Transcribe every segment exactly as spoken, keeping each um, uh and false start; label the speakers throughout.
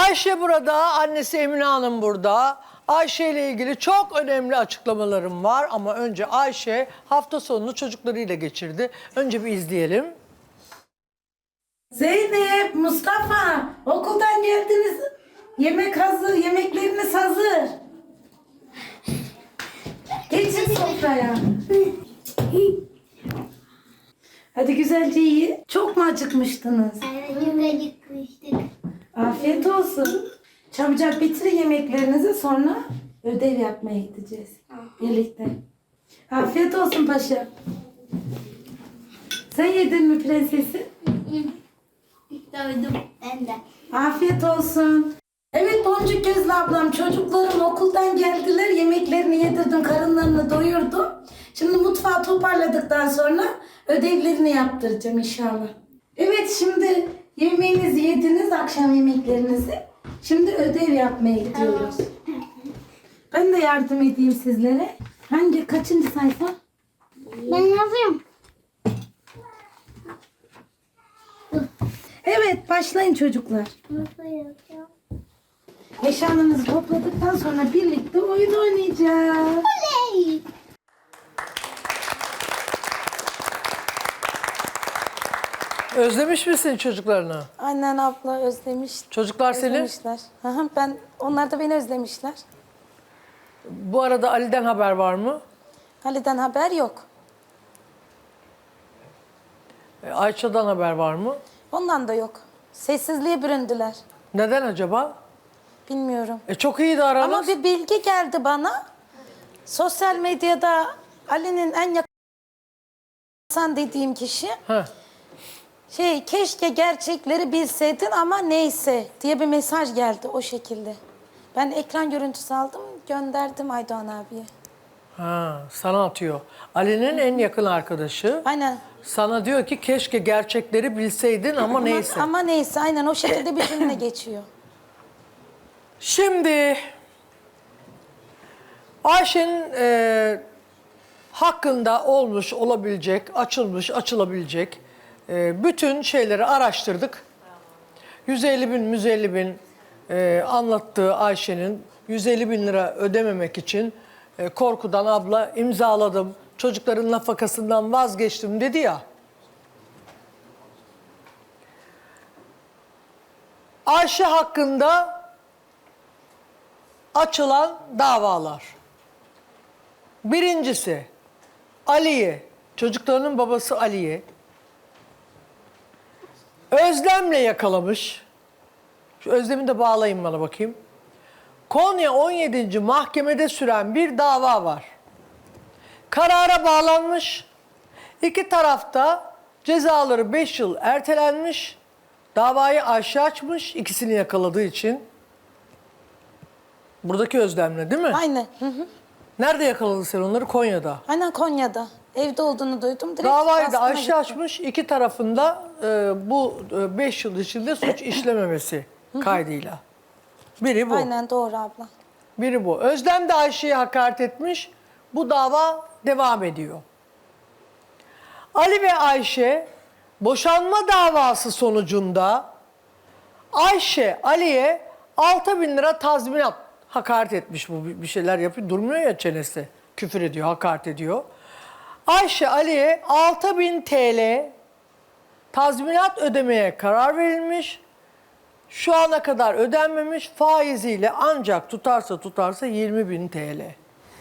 Speaker 1: Ayşe burada, annesi Emine Hanım burada. Ayşe ile ilgili çok önemli açıklamalarım var ama önce Ayşe hafta sonunu çocuklarıyla geçirdi. Önce bir izleyelim.
Speaker 2: Zeynep, Mustafa, okuldan geldiniz. Yemek hazır, yemekleriniz hazır. Geçin sofraya. Hadi güzelce yiyin. Çok mu acıkmıştınız?
Speaker 3: Evet, çok acıkmıştık.
Speaker 2: Afiyet olsun. Çabucak bitirin yemeklerinizi, sonra ödev yapmaya gideceğiz. Birlikte. Afiyet olsun paşa. Sen yedin mi prensesim?
Speaker 3: Doydum ben de.
Speaker 2: Afiyet olsun. Evet Boncuk Gözlü ablam, çocuklarım okuldan geldiler. Yemeklerini yedirdim, karınlarını doyurdum. Şimdi mutfağı toparladıktan sonra ödevlerini yaptıracağım inşallah. Evet, şimdi yemeğinizi yediniz, akşam yemeklerinizi. Şimdi ödev yapmaya gidiyoruz. Ben de yardım edeyim sizlere. Hangi, kaçıncı sayfa?
Speaker 3: Ben yapayım.
Speaker 2: Evet, başlayın çocuklar.
Speaker 3: Nasıl yapacağım?
Speaker 2: Eşyalarınızı topladıktan sonra birlikte oyun oynayacağız.
Speaker 3: Oley!
Speaker 1: Özlemiş misin çocuklarını?
Speaker 4: Annen abla özlemiş.
Speaker 1: Çocuklar seni?
Speaker 4: Özlemişler. Hı hı, ben, onlar da beni özlemişler.
Speaker 1: Bu arada Ali'den haber var mı?
Speaker 4: Ali'den haber yok.
Speaker 1: E, Ayça'dan haber var mı?
Speaker 4: Ondan da yok. Sessizliğe büründüler.
Speaker 1: Neden acaba?
Speaker 4: Bilmiyorum.
Speaker 1: E çok iyiydi aranız.
Speaker 4: Ama bir bilgi geldi bana. Sosyal medyada Ali'nin en yakın insan dediğim kişi
Speaker 1: Heh.
Speaker 4: şey, keşke gerçekleri bilseydin ama neyse diye bir mesaj geldi o şekilde. Ben ekran görüntüsü aldım, gönderdim Aydoğan abiye.
Speaker 1: Ha, sana atıyor. Ali'nin en yakın arkadaşı.
Speaker 4: Aynen.
Speaker 1: Sana diyor ki keşke gerçekleri bilseydin ama neyse.
Speaker 4: Ama, ama neyse, aynen o şekilde bir cümle geçiyor.
Speaker 1: Şimdi Ayşe'nin e, hakkında olmuş, olabilecek, açılmış, açılabilecek e, bütün şeyleri araştırdık. yüz elli bin, yüz elli bin e, anlattığı Ayşe'nin yüz elli bin lira ödememek için e, korkudan abla imzaladım, çocukların nafakasından vazgeçtim dedi ya. Ayşe hakkında açılan davalar. Birincisi Ali'ye, çocuklarının babası Ali'ye Özlem'le yakalamış. Şu Özlem'i de bağlayın bana bakayım. Konya on yedinci mahkemede süren bir dava var. Karara bağlanmış. İki tarafta cezaları beş yıl ertelenmiş. Davayı Ayşe açmış ikisini yakaladığı için. Buradaki Özlem'le değil mi?
Speaker 4: Aynen. Hı hı.
Speaker 1: Nerede yakaladın sen onları? Konya'da.
Speaker 4: Aynen Konya'da. Evde olduğunu duydum. Direkt
Speaker 1: Davayı da
Speaker 4: baskına
Speaker 1: Ayşe
Speaker 4: gittim.
Speaker 1: açmış. İki tarafında e, bu beş yıl içinde suç işlememesi kaydıyla. Biri bu.
Speaker 4: Aynen doğru abla.
Speaker 1: Biri bu. Özlem de Ayşe'ye hakaret etmiş. Bu dava devam ediyor. Ali ve Ayşe boşanma davası sonucunda Ayşe Ali'ye altı bin lira tazminat, hakaret etmiş, bu bir şeyler yapıyor. Durmuyor ya çenesi. Küfür ediyor, hakaret ediyor. Ayşe Ali'ye altı bin T L tazminat ödemeye karar verilmiş. Şu ana kadar ödenmemiş, faiziyle ancak tutarsa tutarsa yirmi bin T L.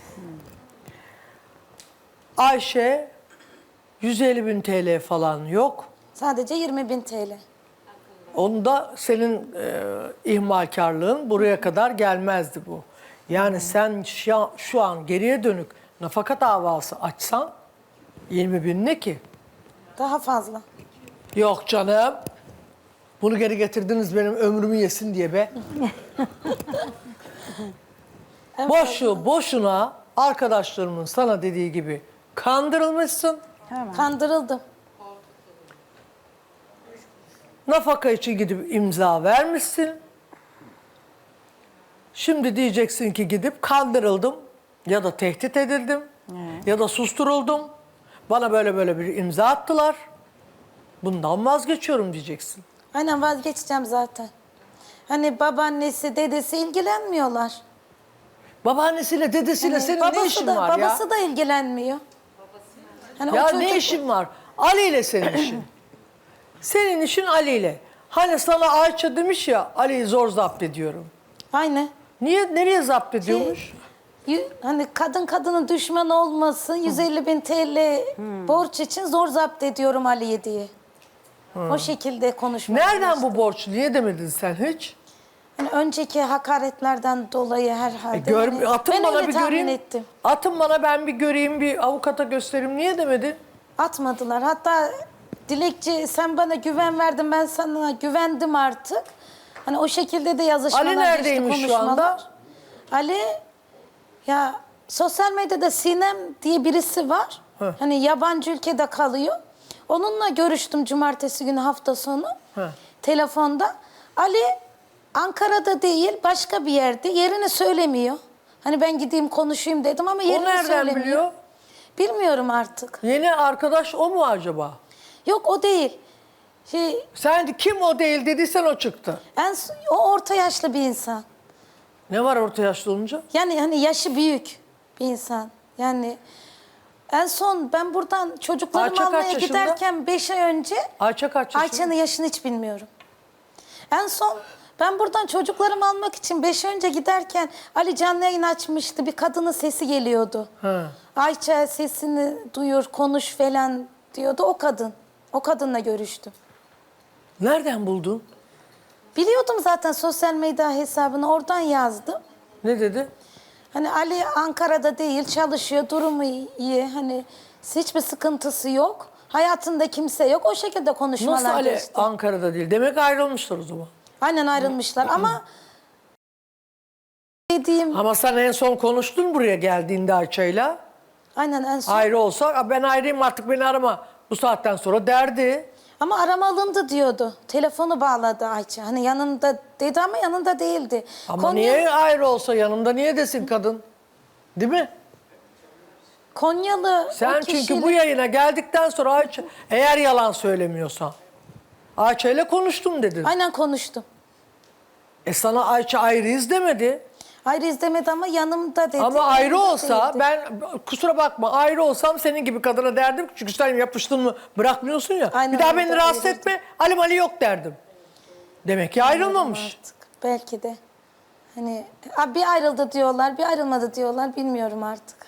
Speaker 1: Ayşe yüz elli bin T L falan yok.
Speaker 4: Sadece yirmi bin T L.
Speaker 1: Onda senin e, ihmalkarlığın buraya kadar gelmezdi bu. Yani sen şu an, şu an geriye dönük nafaka davası açsan yirmi bin ne ki?
Speaker 4: Daha fazla.
Speaker 1: Yok canım. Bunu geri getirdiniz benim ömrümü yesin diye be. Boşu boşuna arkadaşlarımın sana dediği gibi kandırılmışsın.
Speaker 4: Kandırıldım.
Speaker 1: Nafaka için gidip imza vermişsin. Şimdi diyeceksin ki gidip kandırıldım ya da tehdit edildim ya da susturuldum. Bana böyle böyle bir imza attılar. Bundan vazgeçiyorum diyeceksin.
Speaker 4: Aynen vazgeçeceğim zaten. Hani babaannesi, dedesi ilgilenmiyorlar.
Speaker 1: Babaannesiyle, dedesiyle
Speaker 4: Hani
Speaker 1: senin
Speaker 4: babası
Speaker 1: ne işin
Speaker 4: da,
Speaker 1: var
Speaker 4: babası
Speaker 1: ya?
Speaker 4: da ilgilenmiyor. Hani
Speaker 1: Ya
Speaker 4: o çocuk-
Speaker 1: ne işin var? Ali ile senin işin. Senin işin Ali ile. Hani sana Ayça demiş ya, Ali'yi zor zapt ediyorum.
Speaker 4: Aynı.
Speaker 1: Niye, nereye zapt ediyormuş?
Speaker 4: Y- Hani kadın kadının düşmanı olmasın, yüz elli bin T L borç için zor zapt ediyorum Ali'ye diye. O şekilde konuşmaya
Speaker 1: Nereden
Speaker 4: başladı.
Speaker 1: bu borç? Niye demedin sen hiç?
Speaker 4: Hani önceki hakaretlerden dolayı herhalde.
Speaker 1: E, gör,
Speaker 4: hani
Speaker 1: atın
Speaker 4: ben
Speaker 1: bana
Speaker 4: öyle
Speaker 1: bir
Speaker 4: tahmin
Speaker 1: göreyim.
Speaker 4: ettim.
Speaker 1: Atın bana, ben bir göreyim, bir avukata göstereyim. Niye demedin?
Speaker 4: Atmadılar. Hatta Dilekçi sen bana güven verdin, ben sana güvendim artık. Hani o şekilde de yazışmalar
Speaker 1: Ali
Speaker 4: geçti,
Speaker 1: neredeymiş şu
Speaker 4: konuşmalar.
Speaker 1: anda?
Speaker 4: Ali ya sosyal medyada Sinem diye birisi var.
Speaker 1: Heh.
Speaker 4: Hani yabancı ülkede kalıyor. Onunla görüştüm cumartesi günü hafta sonu.
Speaker 1: Heh.
Speaker 4: Telefonda. Ali Ankara'da değil başka bir yerde. Yerini söylemiyor. Hani ben gideyim konuşayım dedim ama
Speaker 1: O
Speaker 4: yerini
Speaker 1: nereden
Speaker 4: söylemiyor.
Speaker 1: biliyor?
Speaker 4: Bilmiyorum artık.
Speaker 1: Yeni arkadaş o mu acaba?
Speaker 4: Yok o değil. Şey,
Speaker 1: Sen kim o değil dediysen o çıktı.
Speaker 4: en, o orta yaşlı bir insan.
Speaker 1: Ne var orta yaşlı olunca?
Speaker 4: Yani hani yaşı büyük bir insan. Yani en son ben buradan çocuklarımı
Speaker 1: Ayça kaç
Speaker 4: almaya
Speaker 1: yaşında?
Speaker 4: giderken beş ay önce
Speaker 1: Ayça kaç yaşında?
Speaker 4: Ayça'nın yaşını hiç bilmiyorum. En son ben buradan çocuklarımı almak için beş ay önce giderken Ali canlı yayın açmıştı. Bir kadının sesi geliyordu.
Speaker 1: Ha.
Speaker 4: Ayça sesini duyur, konuş falan diyordu. O kadın. O kadınla görüştüm.
Speaker 1: Nereden buldun?
Speaker 4: Biliyordum zaten sosyal medya hesabını, oradan yazdım.
Speaker 1: Ne dedi?
Speaker 4: Hani Ali Ankara'da değil, çalışıyor, durumu iyi. Hani hiçbir sıkıntısı yok. Hayatında kimse yok. O şekilde konuşmalar
Speaker 1: Nasıl Ali
Speaker 4: geçti.
Speaker 1: Ankara'da değil? Demek ayrılmışlar o zaman.
Speaker 4: Aynen ayrılmışlar ama dediğim
Speaker 1: Ama sen en son konuştun buraya geldiğinde Ayça'yla.
Speaker 4: aynen en son.
Speaker 1: Ayrı olsa "Aa, ben ayrıyım artık, beni arama bu saatten sonra" derdi.
Speaker 4: Ama arama alındı diyordu. Telefonu bağladı Ayça. Hani yanında dedi ama yanında değildi.
Speaker 1: Ama
Speaker 4: Konya,
Speaker 1: niye ayrı olsa yanımda niye desin kadın? Değil mi?
Speaker 4: Konyalı
Speaker 1: Sen
Speaker 4: o
Speaker 1: çünkü
Speaker 4: kişiyle-
Speaker 1: bu yayına geldikten sonra Ayça, eğer yalan söylemiyorsan, Ayça ile konuştum dedin.
Speaker 4: Aynen konuştum.
Speaker 1: E sana Ayça ayrıyız demedi.
Speaker 4: Ayrı izlemedi ama yanımda dedi.
Speaker 1: Ama ayrı
Speaker 4: yanımda
Speaker 1: olsa
Speaker 4: değildi.
Speaker 1: ben, kusura bakma, ayrı olsam senin gibi kadına derdim ki, çünkü sen yapıştın mı bırakmıyorsun ya.
Speaker 4: Aynen
Speaker 1: bir daha
Speaker 4: öyle,
Speaker 1: beni rahatsız
Speaker 4: ayrıydı.
Speaker 1: etme, Ali Ali yok derdim. Demek ki ayrılmamış.
Speaker 4: Artık. Belki de. Hani "Aa, bir ayrıldı diyorlar, bir ayrılmadı diyorlar. Bilmiyorum artık.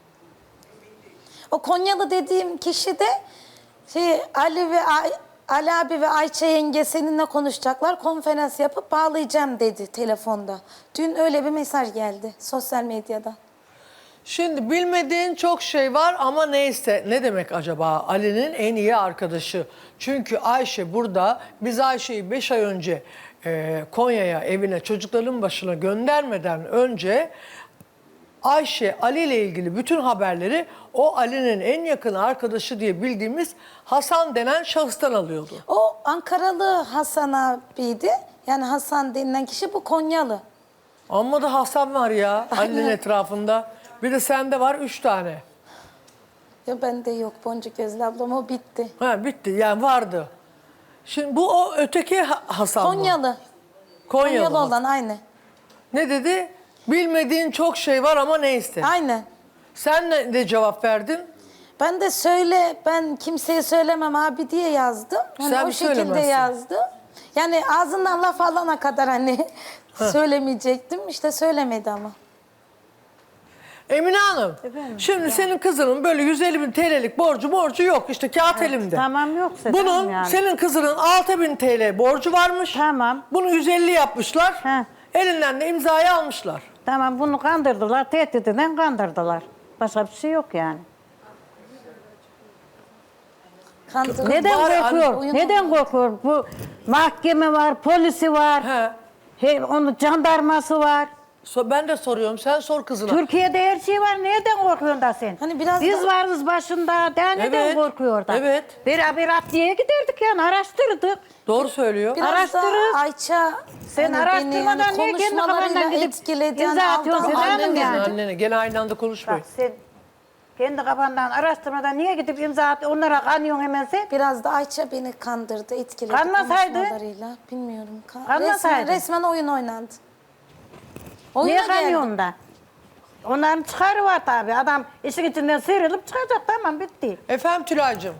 Speaker 4: O Konyalı dediğim kişi de şey Ali ve Ay- Ali abi ve Ayça yenge seninle konuşacaklar. Konferans yapıp bağlayacağım dedi telefonda. Dün öyle bir mesaj geldi sosyal medyada.
Speaker 1: Şimdi bilmediğin çok şey var ama neyse, ne demek acaba Ali'nin en iyi arkadaşı? Çünkü Ayşe burada, biz Ayşe'yi beş ay önce e, Konya'ya, evine, çocukların başına göndermeden önce Ayşe Ali ile ilgili bütün haberleri o Ali'nin en yakın arkadaşı diye bildiğimiz Hasan denen şahıstan alıyordu.
Speaker 4: O Ankaralı Hasan abiydi. Yani Hasan denilen kişi bu Konyalı.
Speaker 1: Amma da Hasan var ya Ali'nin etrafında. Bir de sende var üç tane.
Speaker 4: Ya bende yok Boncuk Gözlü ablam, o bitti.
Speaker 1: Ha bitti, yani vardı. Şimdi bu o öteki Ha- Hasan mı?
Speaker 4: Konyalı.
Speaker 1: Konyalı.
Speaker 4: Konyalı olan aynı.
Speaker 1: Ne dedi? Bilmediğin çok şey var ama neyse.
Speaker 4: Aynen.
Speaker 1: Sen ne de cevap verdin?
Speaker 4: Ben de söyle, ben kimseye söylemem abi diye yazdım. Hani
Speaker 1: Sen
Speaker 4: o
Speaker 1: mi
Speaker 4: şekilde
Speaker 1: söylemezsin?
Speaker 4: yazdım. Yani ağzından laf alana kadar hani söylemeyecektim. İşte söylemedi ama.
Speaker 1: Emine Hanım, şimdi senin kızının böyle yüz elli bin T L'lik borcu borcu yok. İşte kağıt elimde.
Speaker 5: Tamam, yoksa
Speaker 1: Bunun,
Speaker 5: tamam yani.
Speaker 1: senin kızının altı bin T L borcu varmış.
Speaker 5: Tamam.
Speaker 1: Bunu yüz elli yapmışlar.
Speaker 5: He.
Speaker 1: Elinden de imzayı almışlar.
Speaker 5: Tamam, bunu kandırdılar, tehditten kandırdılar. Başka bir şey yok yani.
Speaker 4: Kandırıldı.
Speaker 5: Neden
Speaker 1: Var,
Speaker 5: korkuyor?
Speaker 4: oyun
Speaker 5: Neden
Speaker 4: oynadı.
Speaker 5: korkuyor? Bu mahkeme var, polisi var.
Speaker 1: He.
Speaker 5: He, onun jandarması var.
Speaker 1: So, ben de soruyorum, sen sor kızına.
Speaker 5: Türkiye'de her şey var. Neden korkuyorsun da sen?
Speaker 4: Hani biraz
Speaker 5: Biz
Speaker 4: da-
Speaker 5: varız başında. Daha neden
Speaker 1: Evet,
Speaker 5: korkuyor da?
Speaker 1: evet.
Speaker 5: Beraber adliyeye giderdik yani, araştırdık.
Speaker 1: Doğru söylüyor.
Speaker 4: Biraz
Speaker 5: Araştırırız.
Speaker 4: da Ayça
Speaker 5: Sen
Speaker 4: hani
Speaker 5: araştırmadan
Speaker 4: beni, hani
Speaker 5: niye kendi
Speaker 4: konuşmalarıyla
Speaker 5: kafandan gidip
Speaker 4: etkiledi.
Speaker 5: imza
Speaker 4: Hani
Speaker 5: atıyorsun?
Speaker 4: aldı-
Speaker 5: Sen
Speaker 1: Annene,
Speaker 5: yani.
Speaker 1: annene. Gene aynı anda konuşmayın.
Speaker 5: Bak sen Kendi kafandan araştırmadan niye gidip imza at, onlara kanıyorsun hemen sen?
Speaker 4: Biraz da Ayça beni kandırdı, etkiledi
Speaker 5: Kanmasaydı?
Speaker 4: konuşmalarıyla. Bilmiyorum. Ka-
Speaker 5: Kanmasaydı?
Speaker 4: Resmen, resmen oyun oynandı. Oyuna
Speaker 5: Niye
Speaker 4: geldi.
Speaker 5: kanıyorsun da? Onların çıkarı var tabii. Adam işin içinden sıyrılıp çıkacak, tamam bitti.
Speaker 1: Efendim Tülay'cığım.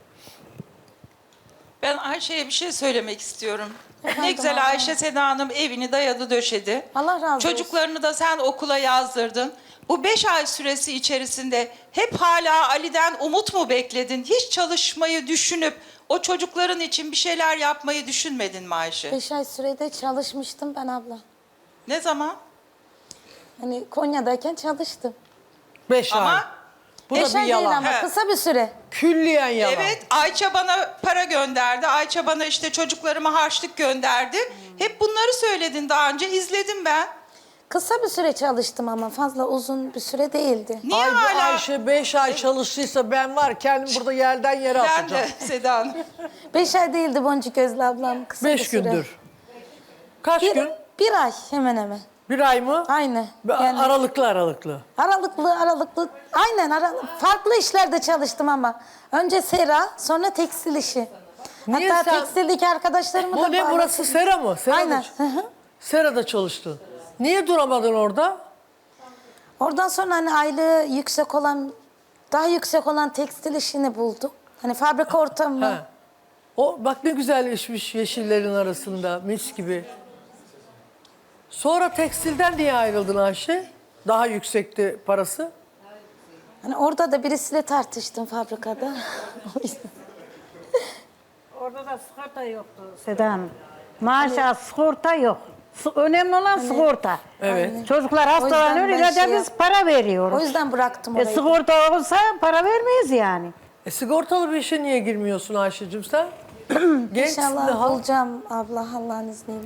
Speaker 6: Ben Ayşe'ye bir şey söylemek istiyorum.
Speaker 4: Efendim
Speaker 6: Ne güzel
Speaker 4: abla.
Speaker 6: Ayşe Seda Hanım evini dayadı döşedi.
Speaker 4: Allah razı olsun.
Speaker 6: Çocuklarını da sen okula yazdırdın. Bu beş ay süresi içerisinde hep hala Ali'den umut mu bekledin? Hiç çalışmayı düşünüp o çocukların için bir şeyler yapmayı düşünmedin mi Ayşe?
Speaker 4: Beş ay sürede çalışmıştım ben abla.
Speaker 6: Ne zaman?
Speaker 4: Hani Konya'dayken çalıştım.
Speaker 1: Beş ay.
Speaker 6: Ama
Speaker 1: Bu da
Speaker 4: Beş
Speaker 1: bir
Speaker 4: ay değil
Speaker 1: yalan.
Speaker 4: ama
Speaker 6: He.
Speaker 4: kısa bir süre.
Speaker 1: Külliyen yalan.
Speaker 6: evet Ayça bana para gönderdi. Ayça bana işte çocuklarıma harçlık gönderdi. Hep bunları söyledin daha önce, izledim ben.
Speaker 4: Kısa bir süre çalıştım ama fazla uzun bir süre değildi.
Speaker 6: Niye
Speaker 1: Ay, bu
Speaker 6: hala?
Speaker 1: Ayşe beş ay çalıştıysa ben var kendim burada yerden yere
Speaker 6: Ben
Speaker 1: atacağım.
Speaker 6: de Seda Hanım.
Speaker 4: Beş ay değildi Boncuk Gözlü ablam. Kısa bir
Speaker 1: Beş
Speaker 4: süre.
Speaker 1: gündür. Kaç
Speaker 4: Bir,
Speaker 1: gün?
Speaker 4: bir ay hemen hemen.
Speaker 1: Bir ay mı?
Speaker 4: Aynı.
Speaker 1: Be-
Speaker 4: Yani
Speaker 1: Aralıklı aralıklı.
Speaker 4: aralıklı aralıklı. Aynen ara, farklı işlerde çalıştım ama. Önce sera, sonra tekstil işi.
Speaker 1: Niye
Speaker 4: Hatta
Speaker 1: sen-
Speaker 4: tekstildeki arkadaşlarımı da
Speaker 1: Bu ne, burası
Speaker 4: bağladım.
Speaker 1: sera mı? Serada,
Speaker 4: Aynen. Hı hı.
Speaker 1: Serada çalıştın. Niye duramadın orada?
Speaker 4: Oradan sonra hani aylığı yüksek olan, daha yüksek olan tekstil işini buldum. Hani fabrika ortamı.
Speaker 1: Ha. O bak ne güzelleşmiş yeşillerin arasında mis gibi. Sonra tekstilden niye ayrıldın Ayşe? Daha yüksekti parası.
Speaker 4: Hani orada da birisiyle tartıştım fabrikada. O yüzden.
Speaker 5: Orada da sigorta yoktu Seda Hanım. Maaşa sigorta yok. S- Önemli olan sigorta.
Speaker 1: Evet.
Speaker 5: Çocuklar
Speaker 4: O yüzden
Speaker 5: hastalanıyor,
Speaker 4: ben
Speaker 5: ilaca
Speaker 4: şey
Speaker 5: biz para veriyoruz.
Speaker 4: O yüzden bıraktım
Speaker 5: E,
Speaker 4: orayı.
Speaker 5: sigorta olsa para vermeyiz yani.
Speaker 1: E, sigortalı bir işe niye girmiyorsun Ayşe'cim sen? Gençsin
Speaker 4: İnşallah
Speaker 1: daha.
Speaker 4: bulacağım abla Allah'ın izniyle.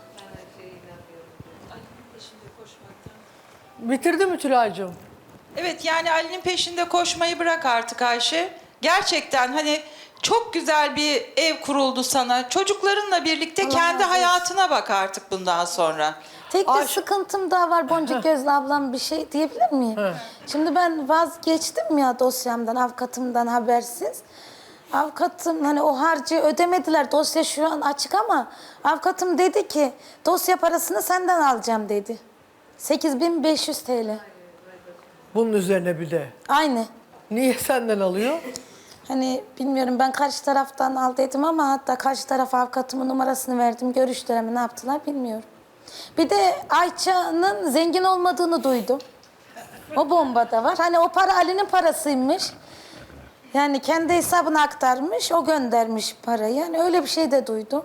Speaker 1: Bitirdi mi Tülay'cığım?
Speaker 6: Evet, yani Ali'nin peşinde koşmayı bırak artık Ayşe. Gerçekten hani çok güzel bir ev kuruldu sana. Çocuklarınla birlikte
Speaker 4: Allah
Speaker 6: kendi
Speaker 4: razı olsun.
Speaker 6: hayatına bak artık bundan sonra.
Speaker 4: Tek bir
Speaker 1: Ayşe-
Speaker 4: sıkıntım daha var Boncuk Gözlü ablam, bir şey diyebilir miyim?
Speaker 1: He.
Speaker 4: Şimdi ben vazgeçtim ya dosyamdan, avukatımdan habersiz. Avukatım hani o harcı ödemediler, dosya şu an açık ama avukatım dedi ki dosya parasını senden alacağım dedi. sekiz bin beş yüz T L.
Speaker 1: Bunun üzerine bir de.
Speaker 4: Aynı.
Speaker 1: Niye senden alıyor?
Speaker 4: Hani bilmiyorum, ben karşı taraftan al dedim ama hatta karşı taraf avukatımın numarasını verdim. Görüştüler mi ne yaptılar bilmiyorum. Bir de Ayça'nın zengin olmadığını duydum. O bomba da var. Hani o para Ali'nin parasıymış. Yani kendi hesabına aktarmış, o göndermiş parayı. Yani öyle bir şey de duydum.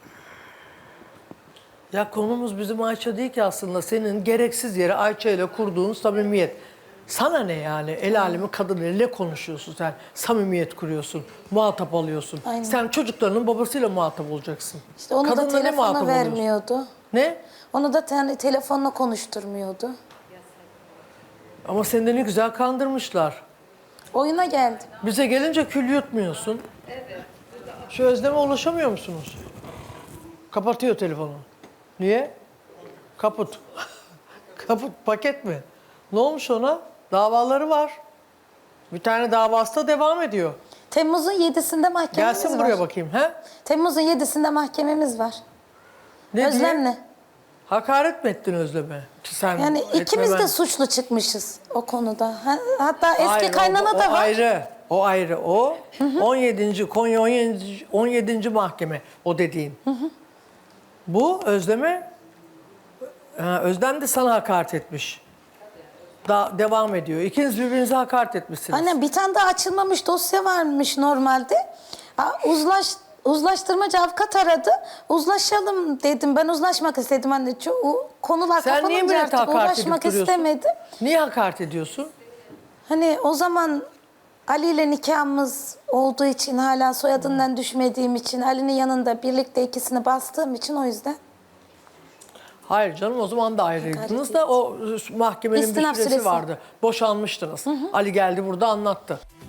Speaker 1: Ya konumuz bizim Ayça değil ki aslında. Senin gereksiz yere Ayça ile kurduğun samimiyet. Sana ne yani? El alemin kadınıyla ne konuşuyorsun sen? Samimiyet kuruyorsun, muhatap alıyorsun.
Speaker 4: Aynen.
Speaker 1: Sen çocuklarının babasıyla muhatap olacaksın.
Speaker 4: İşte onu
Speaker 1: Kadınla
Speaker 4: da
Speaker 1: ne muhatap
Speaker 4: telefonu
Speaker 1: oluyorsun?
Speaker 4: vermiyordu.
Speaker 1: Ne?
Speaker 4: Onu da te- telefonla konuşturmuyordu.
Speaker 1: Ama seni de ne güzel kandırmışlar.
Speaker 4: Oyuna geldim.
Speaker 1: Bize gelince kül yutmuyorsun. Evet. Şu Özlem'e ulaşamıyor musunuz? Kapatıyor telefonu. Niye? Kaput. Kaput paket mi? Ne olmuş ona? Davaları var. Bir tane davası da devam ediyor.
Speaker 4: Temmuz'un yedisinde mahkememiz
Speaker 1: Gelsin
Speaker 4: var.
Speaker 1: buraya bakayım. He?
Speaker 4: Temmuz'un yedisinde mahkememiz var.
Speaker 1: Ne diye?
Speaker 4: Özlem'le.
Speaker 1: Hakaret mi ettin Özlem'e? Ki sen
Speaker 4: Yani ikimiz
Speaker 1: etmemen-
Speaker 4: de suçlu çıkmışız o konuda. Ha- Hatta eski
Speaker 1: Hayır, o-
Speaker 4: kaynana
Speaker 1: o,
Speaker 4: da var.
Speaker 1: ayrı. O ayrı. O on yedinci Konya on yedinci on yedinci mahkeme o dediğin. Bu Özlem'e ha, Özlem de sana hakaret etmiş. Da devam ediyor. İkiniz birbirinize hakaret etmişsiniz.
Speaker 4: Aynen, bir tane daha açılmamış dosya varmış normalde. Ha, Uzlaş, uzlaştırmacı avukat aradı. Uzlaşalım dedim. Ben uzlaşmak istedim. Hani ço- konular
Speaker 1: Sen niye
Speaker 4: kapanınca
Speaker 1: millete
Speaker 4: artık
Speaker 1: hakaret edip
Speaker 4: uğraşmak
Speaker 1: duruyorsun?
Speaker 4: istemedim.
Speaker 1: Niye hakaret ediyorsun?
Speaker 4: Hani o zaman Ali ile nikahımız olduğu için, hala soyadından düşmediğim için, Ali'nin yanında birlikte ikisini bastığım için, o yüzden.
Speaker 1: Hayır canım, o zaman da ayrıydınız da o mahkemenin bir
Speaker 4: İstinaf
Speaker 1: süresi
Speaker 4: süresi.
Speaker 1: vardı. Boşanmıştınız. Ali geldi burada anlattı.